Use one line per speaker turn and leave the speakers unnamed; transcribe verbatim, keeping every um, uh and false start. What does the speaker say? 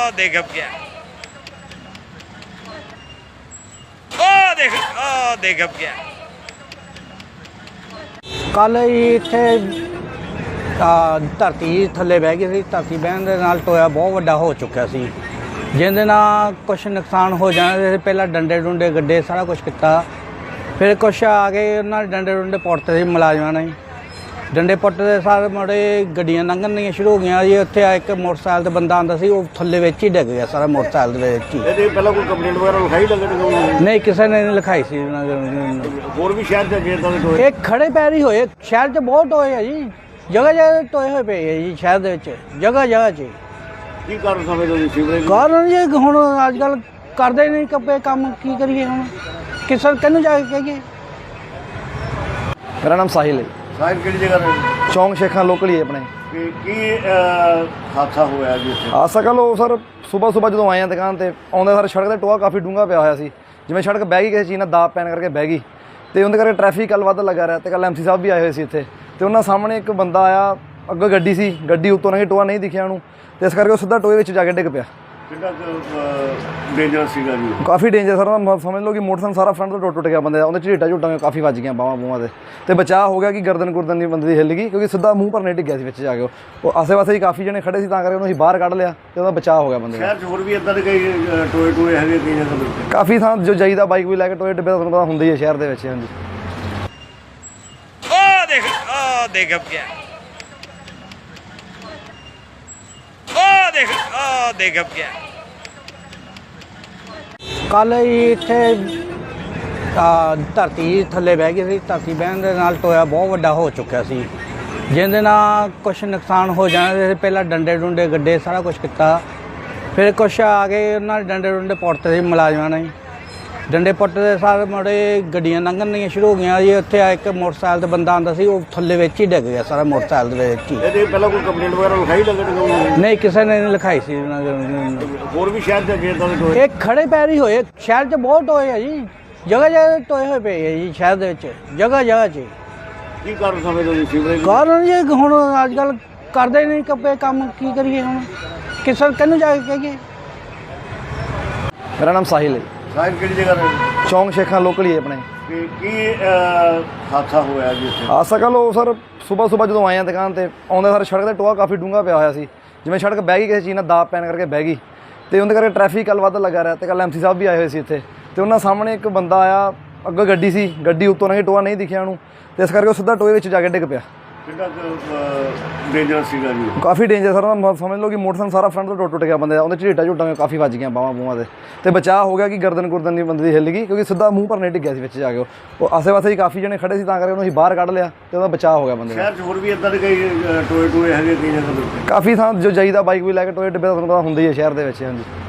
ओ देख अब क्या ओ देख ओ देख अब क्या
ਕੱਲ ਇੱਥੇ ਧਰਤੀ ਥੱਲੇ ਬਹਿ ਗਈ ਸੀ। ਧਰਤੀ ਬਹਿਣ ਦੇ ਨਾਲ ਟੋਇਆ ਬਹੁਤ ਵੱਡਾ ਹੋ ਚੁੱਕਿਆ ਸੀ, ਜਿਹਦੇ ਨਾਲ ਕੁਛ ਨੁਕਸਾਨ ਹੋ ਜਾਣਾ। ਪਹਿਲਾਂ ਡੰਡੇ ਡੁੰਡੇ ਗੱਡੇ ਸਾਰਾ ਕੁਛ ਕੀਤਾ, ਫਿਰ ਕੁਛ ਆ ਕੇ ਉਹਨਾਂ ਨੇ ਡੰਡੇ ਡੁੰਡੇ ਪੁੱਟਦੇ ਸੀ ਮੁਲਾਜ਼ਮਾਂ ਨੇ। ਡੰਡੇ ਪੁੱਟਦੇ ਸਾਰੇ ਮੁੜੇ ਗੱਡੀਆਂ ਲੰਘਣੀਆਂ ਸ਼ੁਰੂ ਹੋ ਗਈਆਂ ਜੀ। ਉੱਥੇ ਆ ਇੱਕ ਮੋਟਰਸਾਈਕਲ ਤੇ ਬੰਦਾ ਆਉਂਦਾ ਸੀ, ਉਹ ਥੱਲੇ ਵਿੱਚ ਹੀ ਡਿੱਗ ਗਿਆ ਸਾਰਾ ਮੋਟਰਸਾਈਕਲ ਦੇ ਵਿੱਚ ਹੀ।
ਇਹਦੇ ਪਹਿਲਾਂ ਕੋਈ ਕੰਪਲੇਂਟ ਵਗੈਰਾ ਲਿਖਾਈ ਲੱਗੇ?
ਨਹੀਂ, ਕਿਸੇ ਨੇ ਨਹੀਂ ਲਿਖਾਈ ਸੀ।
ਹੋਰ ਵੀ ਸ਼ਹਿਰ ਚ ਇਦਾਂ ਦੇ ਟੋਏ
ਇਹ ਖੜੇ ਪੈਰ ਹੀ ਹੋਏ, ਸ਼ਹਿਰ 'ਚ ਬਹੁਤ ਟੋਏ ਆ ਜੀ, ਜਗ੍ਹਾ ਜਗ੍ਹਾ ਟੋਏ ਹੋਏ ਪਏ ਆ ਜੀ ਸ਼ਹਿਰ ਦੇ ਵਿੱਚ, ਜਗ੍ਹਾ ਜਗ੍ਹਾ 'ਚ।
ਕੀ ਕਾਰਨ ਸਮਝਦੇ ਹੋ ਸੀਵਰੇਜ
ਕਾਰਨ ਜੀ ਹੁਣ ਅੱਜ ਕੱਲ੍ਹ ਕਰਦੇ ਨਹੀਂ ਕੱਪੇ ਕੰਮ, ਕੀ ਕਰੀਏ ਹੁਣ, ਕਿਸੇ ਕਿਹਨੂੰ ਜਾ ਕੇ ਕਹੀਏ।
ਮੇਰਾ ਨਾਮ ਸਾਹਿਲ ਹੈ।
ਸਾਹਿਬ ਕਿਹੜੀ ਜਗ੍ਹਾ ਤੇ?
ਚੌਂਕ ਸ਼ੇਖਾਂ ਲੋਕਲ ਹੀ ਹੈ ਆਪਣੇ।
ਕਿ ਕੀ ਹਾਦਸਾ ਹੋਇਆ ਜੀ ਇੱਥੇ?
ਆ ਸਕਲ ਉਹ ਸਰ ਸਵੇਰ ਸਵੇਰ ਜਦੋਂ ਆਏ ਆ ਦੁਕਾਨ ਤੇ ਆਉਂਦੇ ਸਰ ਸੜਕ ਤੇ ਟੋਆ ਕਾਫੀ ਡੂੰਘਾ ਪਿਆ ਹੋਇਆ ਸੀ, ਜਿਵੇਂ ਸੜਕ ਬਹਿ ਗਈ ਕਿਸੇ ਚੀਜ਼ ਨਾਲ ਦਾਬ ਪੈਣ ਕਰਕੇ ਬਹਿ ਗਈ, ਤੇ ਉਹਦੇ ਕਰਕੇ ਟ੍ਰੈਫਿਕ ਕੱਲ ਵੱਧ ਲੱਗਾ ਰਿਹਾ। ਤੇ ਕੱਲ ਐਮਸੀ ਸਾਹਿਬ ਵੀ ਆਏ ਹੋਏ ਸੀ ਇੱਥੇ, ਤੇ ਉਹਨਾਂ ਸਾਹਮਣੇ ਇੱਕ ਬੰਦਾ ਆਇਆ, ਅੱਗੇ ਗੱਡੀ ਸੀ, ਗੱਡੀ ਉੱਤੋਂ ਨਹੀਂ ਟੋਆ ਨਹੀਂ ਦਿਖਿਆ ਉਹਨੂੰ, ਤੇ ਇਸ ਕਰਕੇ ਉਹ ਸਿੱਧਾ ਟੋਏ ਵਿੱਚ ਜਾ ਕੇ ਡਿੱਗ ਪਿਆ।
ਕਿੰਨਾ ਡੇਂਜਰ ਸੀਗਾ ਜੀ?
ਕਾਫੀ ਡੇਂਜਰ ਸਰ, ਉਹਦਾ ਸਮਝ ਲਓ ਕਿ ਮੋਟਰਸਾਈਕਲ ਸਾਰਾ ਫਰੰਟ ਤੋਂ ਟੁੱਟ ਟੁੱਟ ਗਿਆ ਬੰਦੇ ਦਾ। ਉਹਦੇ ਝੀਟਾ ਝੂਟਾਂ ਕਾਫੀ ਵੱਜ ਗਈਆਂ ਬਾਹਾਂ ਬੂਹਾਂ ਦੇ, ਤੇ ਬਚਾਅ ਹੋ ਗਿਆ ਕਿ ਗਰਦਨ ਗੁਰਦਨ ਦੀ ਬੰਦੇ ਦੀ ਹਿੱਲ ਗਈ, ਕਿਉਂਕਿ ਸਿੱਧਾ ਮੂੰਹ ਪਰ ਨਹੀਂ ਡਿੱਗਿਆ ਸੀ ਵਿੱਚ ਜਾ ਕੇ। ਉਹ ਆਸੇ ਪਾਸੇ ਹੀ ਕਾਫੀ ਜਣੇ ਖੜੇ ਸੀ, ਤਾਂ ਕਰਕੇ ਉਹਨੂੰ ਅਸੀਂ ਬਾਹਰ ਕੱਢ ਲਿਆ ਤੇ ਉਹਦਾ ਬਚਾਅ ਹੋ ਗਿਆ ਬੰਦੇ ਦਾ।
ਸ਼ਹਿਰ 'ਚ ਹੋਰ ਵੀ ਇੱਦਾਂ ਦੇ ਕਈ ਟੋਏ ਟੋਏ ਹੈਗੇ ਕਈ ਜਗ੍ਹਾ ਤੇ?
ਕਾਫੀ ਥਾਂ ਜੋ ਜਾਈਦਾ ਬਾਈਕ ਵੀ ਲੈ ਕੇ ਟੋਏ ਡੱਬੇ ਤੁਹਾਨੂੰ ਪਤਾ ਹੁੰਦਾ ਹੀ ਹੈ ਸ਼ਹਿਰ ਦੇ ਵਿੱਚ। ਹਾਂਜੀ
ओ देख ओ देख अब क्या ओ देख ओ देख अब क्या
ਕੱਲ ਇੱਥੇ ਧਰਤੀ ਥੱਲੇ ਬਹਿ ਗਈ ਸੀ। ਧਰਤੀ ਬਹਿਣ ਦੇ ਨਾਲ ਟੋਇਆ ਬਹੁਤ ਵੱਡਾ ਹੋ ਚੁੱਕਿਆ ਸੀ, ਜਿਹਦੇ ਨਾਲ ਕੁਛ ਨੁਕਸਾਨ ਹੋ ਜਾਣਾ। ਪਹਿਲਾਂ ਡੰਡੇ ਡੁੰਡੇ ਗੱਡੇ ਸਾਰਾ ਕੁਛ ਕੀਤਾ, ਫਿਰ ਕੁਛ ਆ ਕੇ ਉਹਨਾਂ ਨੇ ਡੰਡੇ ਡੁੰਡੇ ਪੁੱਟਦੇ ਸੀ ਮੁਲਾਜ਼ਮਾਂ ਨੇ। ਡੰਡੇ ਪੁੱਟਦੇ ਸਾਰੇ ਮੁੜੇ ਗੱਡੀਆਂ ਲੰਘਣੀਆਂ ਸ਼ੁਰੂ ਹੋ ਗਈਆਂ ਜੀ। ਉੱਥੇ ਆ ਇੱਕ ਮੋਟਰਸਾਈਕਲ ਤੇ ਬੰਦਾ ਆਉਂਦਾ ਸੀ, ਉਹ ਥੱਲੇ ਵਿੱਚ ਹੀ ਡਿੱਗ ਗਿਆ ਸਾਰਾ ਮੋਟਰਸਾਈਕਲ ਦੇ ਵਿੱਚ ਹੀ।
ਇਹਦੇ ਪਹਿਲਾਂ ਕੋਈ ਕੰਪਲੇਂਟ ਵਗੈਰਾ ਲਿਖਾਈ ਲੱਗੇ?
ਨਹੀਂ, ਕਿਸੇ ਨੇ ਨਹੀਂ ਲਿਖਾਈ ਸੀ।
ਹੋਰ ਵੀ ਸ਼ਹਿਰ 'ਚ ਇਦਾਂ ਦੇ ਟੋਏ?
ਇਹ ਖੜੇ ਪੈਰ ਹੀ ਹੋਏ, ਸ਼ਹਿਰ 'ਚ ਬਹੁਤ ਟੋਏ ਆ ਜੀ, ਜਗ੍ਹਾ ਜਗ੍ਹਾ ਟੋਏ ਹੋਏ ਪਏ ਆ ਜੀ ਸ਼ਹਿਰ ਦੇ ਵਿੱਚ, ਜਗ੍ਹਾ ਜਗ੍ਹਾ 'ਚ।
ਕੀ ਕਾਰਨ ਸਮਝਦੇ ਹੋ ਸੀਵਰੇਜ
ਕਾਰਨ ਜੀ ਹੁਣ ਅੱਜ ਕੱਲ੍ਹ ਕਰਦੇ ਨਹੀਂ ਕੱਪੇ ਕੰਮ, ਕੀ ਕਰੀਏ ਹੁਣ, ਕਿਸੇ ਕਿਹਨੂੰ ਜਾ ਕੇ ਕਹੀਏ।
ਮੇਰਾ ਨਾਮ ਸਾਹਿਲ ਹੈ।
ਸਾਹਿਬ ਕਿਹੜੀ ਜਗ੍ਹਾ ਤੇ?
ਚੌਂਕ ਸ਼ੇਖਾਂ ਲੋਕਲ ਹੀ ਹੈ ਆਪਣੇ।
ਕਿ ਕੀ ਹਾਦਸਾ ਹੋਇਆ ਜੀ ਇੱਥੇ?
ਆ ਸਕਲ ਉਹ ਸਰ ਸਵੇਰ ਸਵੇਰ ਜਦੋਂ ਆਏ ਆ ਦੁਕਾਨ ਤੇ ਆਉਂਦੇ ਸਰ ਸੜਕ ਤੇ ਟੋਆ ਕਾਫੀ ਡੂੰਘਾ ਪਿਆ ਹੋਇਆ ਸੀ, ਜਿਵੇਂ ਸੜਕ ਬਹਿ ਗਈ ਕਿਸੇ ਚੀਜ਼ ਨਾਲ ਦਾਬ ਪੈਣ ਕਰਕੇ ਬਹਿ ਗਈ, ਤੇ ਉਹਦੇ ਕਰਕੇ ਟ੍ਰੈਫਿਕ ਕੱਲ ਵੱਧ ਲੱਗਾ ਰਿਹਾ। ਤੇ ਕੱਲ ਐਮਸੀ ਸਾਹਿਬ ਵੀ ਆਏ ਹੋਏ ਸੀ ਇੱਥੇ, ਤੇ ਉਹਨਾਂ ਸਾਹਮਣੇ ਇੱਕ ਬੰਦਾ ਆਇਆ, ਅੱਗੇ ਗੱਡੀ ਸੀ, ਗੱਡੀ ਉੱਤੋਂ ਨਹੀਂ ਟੋਆ ਨਹੀਂ ਦਿਖਿਆ ਉਹਨੂੰ, ਤੇ ਇਸ ਕਰਕੇ ਉਹ ਸਿੱਧਾ ਟੋਏ ਵਿੱਚ ਜਾ ਕੇ ਡਿੱਗ ਪਿਆ।
ਕਿੰਨਾ ਡੇਂਜਰ ਸੀਗਾ ਜੀ?
ਕਾਫੀ ਡੇਂਜਰ ਸਰ, ਉਹਦਾ ਸਮਝ ਲਓ ਕਿ ਮੋਟਰਸਾਈਕਲ ਸਾਰਾ ਫਰੰਟ ਤੋਂ ਟੁੱਟ ਟੁੱਟ ਗਿਆ ਬੰਦੇ ਦਾ। ਉਹਦੇ ਝੀਟਾ ਝੂਟਾਂ ਕਾਫੀ ਵੱਜ ਗਈਆਂ ਬਾਹਾਂ ਬੂਹਾਂ ਦੇ, ਤੇ ਬਚਾਅ ਹੋ ਗਿਆ ਕਿ ਗਰਦਨ ਗੁਰਦਨ ਦੀ ਬੰਦੇ ਦੀ ਹਿੱਲ ਗਈ, ਕਿਉਂਕਿ ਸਿੱਧਾ ਮੂੰਹ ਪਰ ਨਹੀਂ ਡਿੱਗਿਆ ਸੀ ਵਿੱਚ ਜਾ ਕੇ। ਉਹ ਆਸੇ ਪਾਸੇ ਹੀ ਕਾਫੀ ਜਣੇ ਖੜੇ ਸੀ, ਤਾਂ ਕਰਕੇ ਉਹਨੂੰ ਅਸੀਂ ਬਾਹਰ ਕੱਢ ਲਿਆ ਤੇ ਉਹਦਾ ਬਚਾਅ ਹੋ ਗਿਆ ਬੰਦੇ ਦਾ।
ਸ਼ਹਿਰ 'ਚ ਹੋਰ ਵੀ ਇੱਦਾਂ ਦੇ ਕਈ ਟੋਏ ਟੋਏ ਹੈਗੇ ਕਈ ਜਗ੍ਹਾ ਤੇ?
ਕਾਫੀ ਥਾਂ ਜੋ ਜਾਈਦਾ ਬਾਈਕ ਵੀ ਲੈ ਕੇ ਟੋਏ ਡੱਬੇ ਤੁਹਾਨੂੰ ਪਤਾ ਹੁੰਦਾ ਹੀ ਹੈ ਸ਼ਹਿਰ ਦੇ ਵਿੱਚ। ਹਾਂਜੀ